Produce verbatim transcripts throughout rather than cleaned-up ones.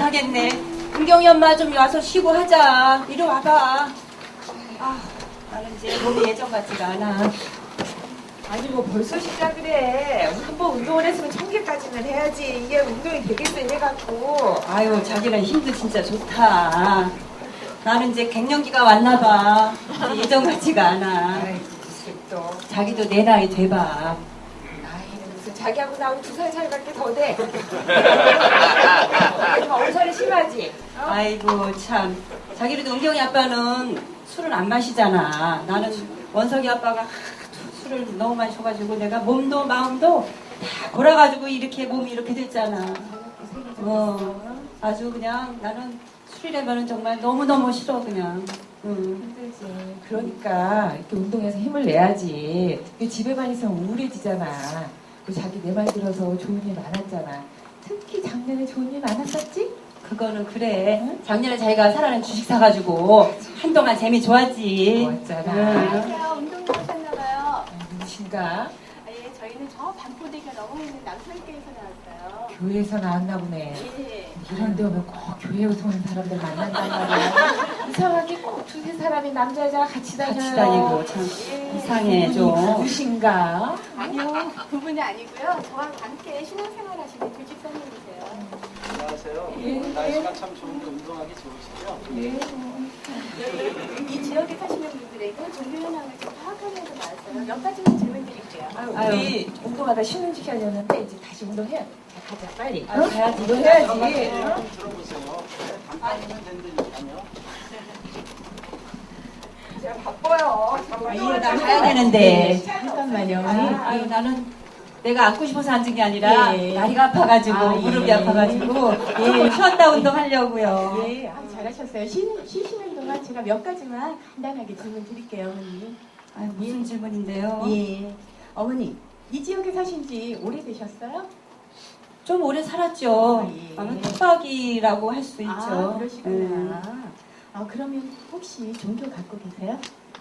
못하겠네. 은경이 엄마 좀 와서 쉬고 하자. 이리 와봐. 아, 나는 이제 몸이 예전 같지가 않아. 아니 뭐 벌써 시작을 해. 한번 운동을 했으면 천 개까지는 해야지. 이게 운동이 되겠어 이래갖고. 아유, 자기는 힘도 진짜 좋다. 나는 이제 갱년기가 왔나 봐. 이제 예전 같지가 않아. 아이 또. 자기도 내 나이 돼봐. 나이는 무슨 자기하고 나하고 두 살 차이밖에 더 돼. 좀 엄살이 심하지. 어? 아이고 참. 자기도 은경이 아빠는 술을 안 마시잖아. 나는 원석이 아빠가 술을 너무 마셔가지고 내가 몸도 마음도 다 골아가지고 이렇게 몸이 이렇게 됐잖아. 어, 아주 그냥 나는 술이라면은 정말 너무너무 싫어 그냥. 응. 힘들지. 그러니까 이렇게 운동해서 힘을 내야지. 집에만 있으면 우울해지잖아. 그리고 자기 내 말 들어서 좋은 일 많았잖아. 특히 작년에 좋은 일 많았었지? 그거는 그래. 응? 작년에 자기가 사라는 주식 사가지고 한동안 재미 좋았지. 좋았잖아. 응. 안녕하세요. 운동 나오셨나봐요. 아, 누구신가? 아, 예, 저희는 저 반포대교 넘어 있는 남산교에서 나왔어요. 교회에서 나왔나 보네. 예. 이런 데 오면 꼭 교회에서 오는 사람들 만난단 말이야. 이상하게 꼭 두세 사람이 남자 여자 같이 다녀요. 같이 다니고 참 예. 이상해 좀. 누구신가? 아니요, 그분이 아니고요. 저와 함께 신앙생활 하시는 조직사님이세요. 안녕하세요. 예. 날씨가 참 좋은데 운동하기 좋으시죠? 예. 이 지역에 사시는 분들에게 종교 현황을 좀 파악하면서 나왔어요. 몇 가지만 질문 드릴게요. 아유, 아유. 우리 운동하다 쉬는 시간이었는데 이제 다시 운동해야 돼. 가자 빨리. 아유, 가야지. 이거 해야지. 좀 어? 들어보세요. 간단하면 된다니까요. 제가 바빠요. 이거 나 가야 되는데. 잠깐만요. 아, 아유, 나는 내가 앉고 싶어서 앉은 게 아니라 예. 다리가 아파가지고 아, 예. 무릎이 아파가지고 조금 쉬었다 운동하려고요. 예, 아, 잘하셨어요. 쉬, 쉬시는 동안 제가 몇 가지만 간단하게 질문 드릴게요, 어머니. 아유, 무슨 질문인데요? 예. 어머니, 이 지역에 사신 지 오래되셨어요? 좀 오래 살았죠. 아, 예. 아마 뚝박이라고 할 수 있죠. 아, 그러시구나. 음. 아, 그러면 혹시 종교 갖고 계세요?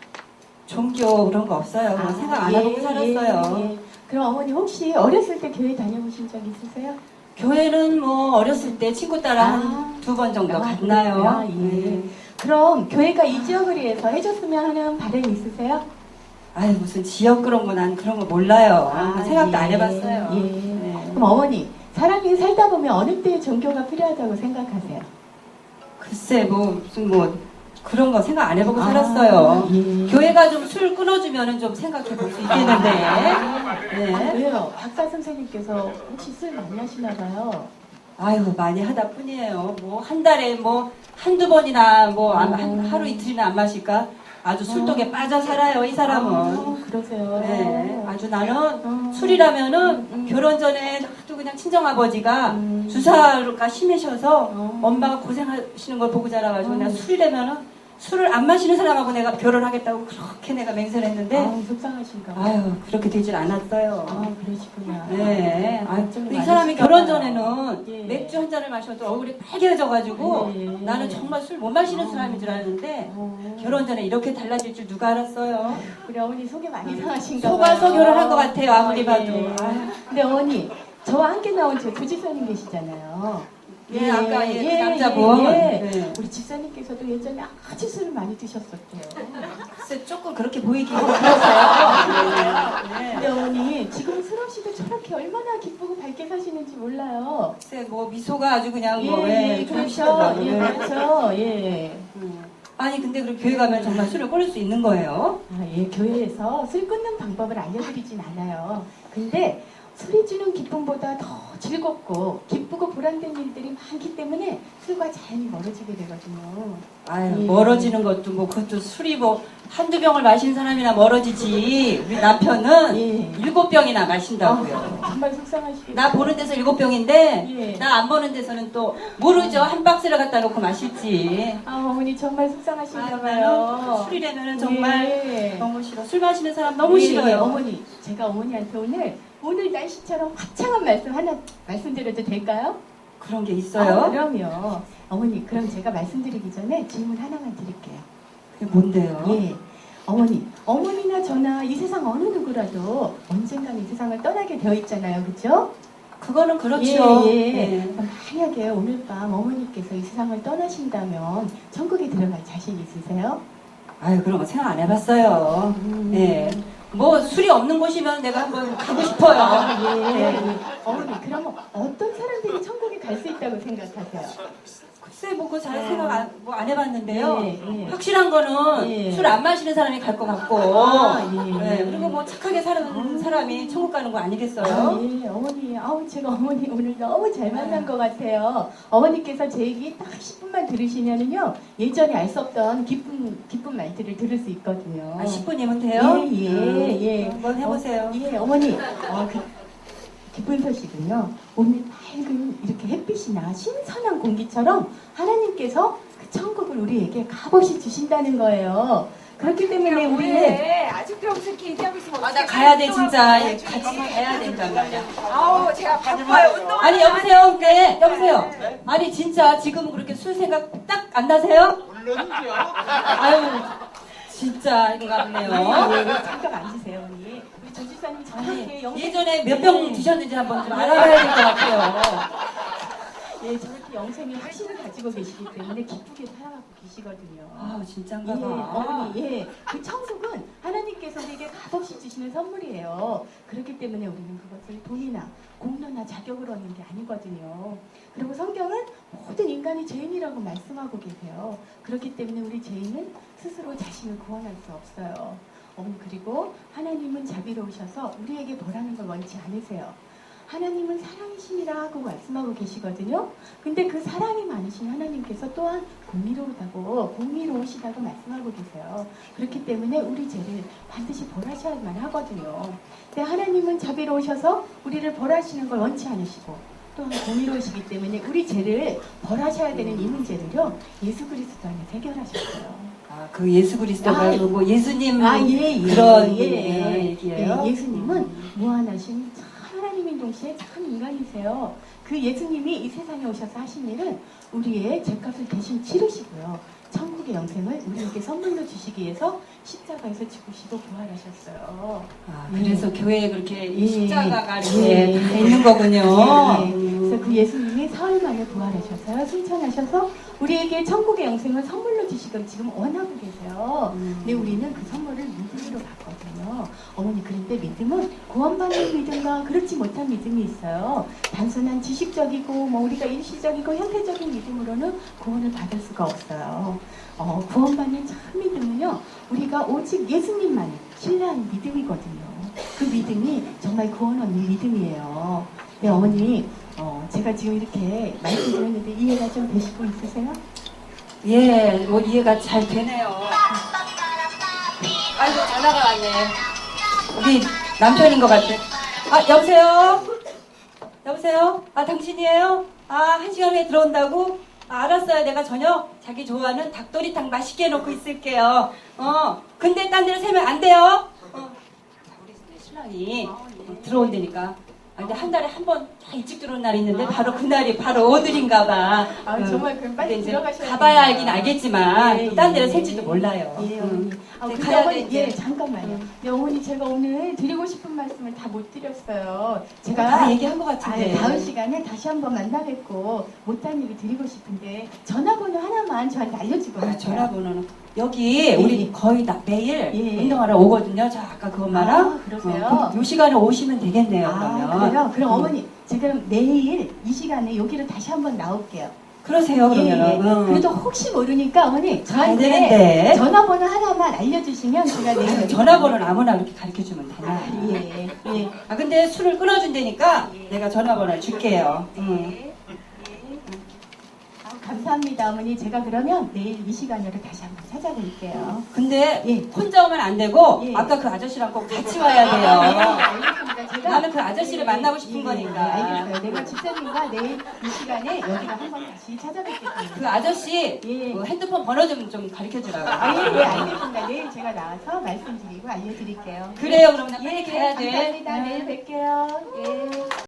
종교 그런 거 없어요. 아, 생각 안 예, 하고 살았어요. 예, 예. 그럼 어머니 혹시 어렸을 때 교회 다녀보신 적 있으세요? 교회는 뭐 어렸을 때 친구 따라 아. 한 두 번 정도 아, 갔나요? 그렇구나. 예. 네. 그럼 교회가 이 지역을 위해서 해줬으면 하는 바람이 있으세요? 아유, 무슨 지역 그런 거 난 그런 거 몰라요. 아, 생각도 예, 안 해봤어요. 예. 네. 그럼 어머니, 사람이 살다 보면 어느 때 종교가 필요하다고 생각하세요? 글쎄 뭐 무슨 뭐 그런 거 생각 안 해보고 아, 살았어요. 예. 교회가 좀 술 끊어주면은 좀 생각해 볼 수 있겠는데. 아, 네. 왜요? 박사 선생님께서 혹시 술 많이 하시나 봐요. 아유, 많이 하다 뿐이에요. 뭐 한 달에 뭐 한두 번이나 뭐 안- 한 음. 하루 이틀이나 안 마실까? 아주 술독에 빠져 살아요, 이 사람은. 아, 그러세요. 네, 아주 나는 음. 술이라면은 음. 결혼 전에 또 그냥 친정아버지가 음. 주사가 심하셔서 어. 엄마가 고생하시는 걸 보고 자라가지고 음. 내가 술이라면은 술을 안 마시는 사람하고 내가 결혼하겠다고 그렇게 내가 맹세를 했는데 아, 속상하신가 봐요. 아유, 그렇게 되질 않았어요. 아, 그러시구나. 네. 아, 걱정이 이 사람이 많으실까 결혼 봐요. 전에는 예. 맥주 한 잔을 마셔도 얼굴이 빨개져가지고 예. 나는 정말 술 못 마시는 어. 사람인 줄 알았는데 어. 결혼 전에 이렇게 달라질 줄 누가 알았어요? 우리 어머니 속이 많이 상하신가 속아서 봐요. 결혼한 것 같아요, 아무리 예. 봐도. 아유. 근데 어머니, 저와 함께 나온 저 조지사님 계시잖아요. 예, 아까 예, 그 남자분. 예. 네. 우리 집사님께서도 예전에 아주 술을 많이 드셨었대요. 글쎄 조금 그렇게 보이긴 그러세요? 네. 근데 어머니, 지금 술 없이도 저렇게 얼마나 기쁘고 밝게 사시는지 몰라요. 글쎄 뭐 미소가 아주 그냥 예, 뭐 예, 예, 그렇죠. 좋으시더라고요. 예, 그렇죠. 예. 음. 아니 근데 그럼 교회 가면 정말 술을 끊을 수 있는 거예요? 아, 예, 교회에서 술 끊는 방법을 알려드리진 않아요. 근데 술이 주는 기쁨보다 더 즐겁고 기쁘고 보람된 일들이 많기 때문에 술과 자연히 멀어지게 되거든요. 아유, 예. 멀어지는 것도 뭐 그것도 술이 뭐 한두 병을 마신 사람이나 멀어지지. 우리 남편은 예. 일곱 병이나 마신다고요. 아, 정말 속상하시겠어요. 나 보는 데서 일곱 병인데 예. 나 안 보는 데서는 또 모르죠. 한 박스를 갖다 놓고 마실지. 아, 어머니 정말 속상하신가 아유, 봐요. 나는 술이라면은 정말 예. 너무 싫어. 술 마시는 사람 너무 예, 싫어요. 예, 어머니, 제가 어머니한테 오늘 오늘 날씨처럼 화창한 말씀 하나 말씀드려도 될까요? 그런 게 있어요? 아, 그럼요. 어머니, 그럼 제가 말씀드리기 전에 질문 하나만 드릴게요. 그게 뭔데요? 예. 어머니, 어머니나 저나 이 세상 어느 누구라도 언젠간 이 세상을 떠나게 되어 있잖아요. 그죠? 그거는 그렇죠. 예, 예. 네. 만약에 오늘 밤 어머니께서 이 세상을 떠나신다면 천국에 들어갈 자신 있으세요? 아유, 그런 거 생각 안 해봤어요. 음. 예. 뭐 술이 없는 곳이면 내가 한번 가고 싶어요. 아, 예, 예. 어머니, 그러면 어떤 사람들이 천국에 갈 수 있다고 생각하세요? 글쎄, 뭐, 그거 잘 생각 안, 뭐 안 해봤는데요. 예, 예. 확실한 거는 예. 술 안 마시는 사람이 갈 것 같고, 아, 예. 예, 그리고 뭐 착하게 사는 음. 사람이 천국 가는 거 아니겠어요? 아, 예, 어머니, 아우, 제가 어머니 오늘 너무 잘 만난 것 같아요. 어머니께서 제 얘기 딱 십 분만 들으시면은요, 예전에 알 수 없던 기쁜, 기쁜 말들을 들을 수 있거든요. 아, 십 분이면 돼요? 예, 예, 예. 한번 해보세요. 어, 예, 어머니, 어, 그, 기쁜 소식은요, 오늘 밝은 이렇게 햇빛이나 신선한 공기처럼 하나님께서 그 천국을 우리에게 값없이 주신다는 거예요. 그렇기 때문에 우리는 왜 아직도 여기서 이렇게 얘기하고 있으면 아, 나 어떡해. 가야 돼, 진짜. 운동하고 예, 같이 가야 된단 말이야. 아우 제가 바빠요. 운동. 아니, 여보세요? 네, 여보세요? 아니, 진짜 지금 그렇게 술 생각 딱 안 나세요? 물론이죠. 아유, 진짜 인가 보네요. 예, 잠깐 앉으세요, 언니. 우리 조 지사님 저렇게 아니, 영생 예전에 몇 병 드셨는지 한번 좀 알아봐야 될 것 같아요. 예, 저렇게 영생의 확신을 가지고 계시기 때문에 기쁘게 살아가고 계시거든요. 아우, 예, 진짠가 봐. 어머니, 예. 그 천국은 하나님께서 우리에게 값없이 주시는 선물이에요. 그렇기 때문에 우리는 그것을 돈이나 공로나 자격으로 얻는 게 아니거든요. 그리고 성경은 모든 인간이 죄인이라고 말씀하고 계세요. 그렇기 때문에 우리 죄인은 스스로 자신을 구원할 수 없어요. 어머니, 그리고 하나님은 자비로우셔서 우리에게 벌하는 걸 원치 않으세요. 하나님은 사랑이심이라고 말씀하고 계시거든요. 근데 그 사랑이 많으신 하나님께서 또한 공의로우다고, 공의로우시다고 말씀하고 계세요. 그렇기 때문에 우리 죄를 반드시 벌하셔야만 하거든요. 근데 하나님은 자비로우셔서 우리를 벌하시는 걸 원치 않으시고, 또한 공의로우시기 때문에 우리 죄를 벌하셔야 되는 이 문제를요, 예수 그리스도 안에 해결하셨어요. 아, 그 예수 그리스도가 아, 뭐 예수님 아, 예, 예, 그런 예, 예, 얘기예요? 예, 예수님은 무한하신 참 하나님인 동시에 참 인간이세요. 그 예수님이 이 세상에 오셔서 하신 일은 우리의 죄값을 대신 치르시고요. 천국의 영생을 우리에게 선물로 주시기 위해서 십자가에서 죽으시고 부활하셨어요. 아, 그래서 교회에 그렇게 예, 십자가가 이렇게 예, 다 있는 거군요. 예, 예. 음. 그래서 그 예수님이 사흘 만에 부활하셔서요. 승천하셔서 우리에게 천국의 영생을 선물로 주시길 지금 원하고 계세요. 음. 근데 우리는 그 선물을 믿음으로 받거든요. 어머니, 그런데 믿음은 구원받는 믿음과 그렇지 못한 믿음이 있어요. 단순한 지식적이고 뭐 우리가 일시적이고 현세적인 믿음으로는 구원을 받을 수가 없어요. 어, 구원받는 참 믿음은요, 우리가 오직 예수님만 신뢰하는 믿음이거든요. 그 믿음이 정말 구원 얻는 믿음이에요. 네, 어머니, 어, 제가 지금 이렇게 말씀드렸는데 이해가 좀 되시고 있으세요? 예, 뭐 이해가 잘 되네요. 아이고, 전화가 왔네. 우리 남편인 것 같아. 아, 여보세요? 여보세요? 아, 당신이에요? 아, 한 시간 후에 들어온다고? 아, 알았어요. 내가 저녁 자기 좋아하는 닭도리탕 맛있게 해놓고 있을게요. 어, 근데 딴 데로 세면 안 돼요? 어. 자, 우리 신랑이 들어온다니까. 아, 근데 한 달에 한 번 일찍 들어온 날이 있는데 바로 그날이 바로 오늘인가 봐. 아, 응. 정말 그럼 빨리 근데 이제 들어가셔야 가봐야 되겠네요. 알긴 알겠지만 예, 또 딴 예, 데로 예, 셀지도 예. 몰라요. 예, 응. 어머니. 아, 이제 근데 가야 어머니, 돼, 예, 이제. 잠깐만요. 네, 어머니, 제가 오늘 드리고 싶은 말씀을 다 못 드렸어요. 제가 다 얘기한 것 아, 같은데. 다음 시간에 다시 한번 만나 뵙고 못한 얘기 드리고 싶은데 전화번호 하나만 저한테 알려주고 아, 가세요. 전화번호는 여기 우리 예. 거의 다 매일 예. 운동하러 오거든요. 저 아까 그 엄마랑. 아, 그러세요? 어, 그럼 요 시간에 오시면 되겠네요. 아, 그러면. 그래요? 그럼 음. 어머니, 제가 내일 이 시간에 여기로 다시 한번 나올게요. 그러세요. 예, 예. 그러면은. 응. 그래도 혹시 모르니까 어머니 가야 저한테 되는데. 전화번호 하나만 알려주시면 제가 내일 여기 전화번호는 아무나 그렇게 가르쳐주면 되나? 아, 예, 예. 아, 근데 술을 끊어준다니까 예. 내가 전화번호를 줄게요. 응. 예. 아, 감사합니다, 어머니. 제가 그러면 내일 이 시간으로 다시 한번 찾아볼게요. 근데 예. 혼자 오면 안 되고 예. 아까 그 아저씨랑 꼭 같이 와야 네, 돼요. 알겠습니다. 제가 나는 그 아저씨를 만나고 싶은 예, 거니까. 알겠어요. 내가 집사님과 내일 이 시간에 여기가 한번 다시 찾아뵙겠습니다. 그 아저씨 예. 그 핸드폰 번호 좀, 좀 가르쳐 주라고. 아, 예, 예, 알겠습니다. 내일 제가 나와서 말씀드리고 알려드릴게요. 그래요. 그럼 나 예, 빨리 가야 돼. 감사합니다. 내일 뵐게요. 예.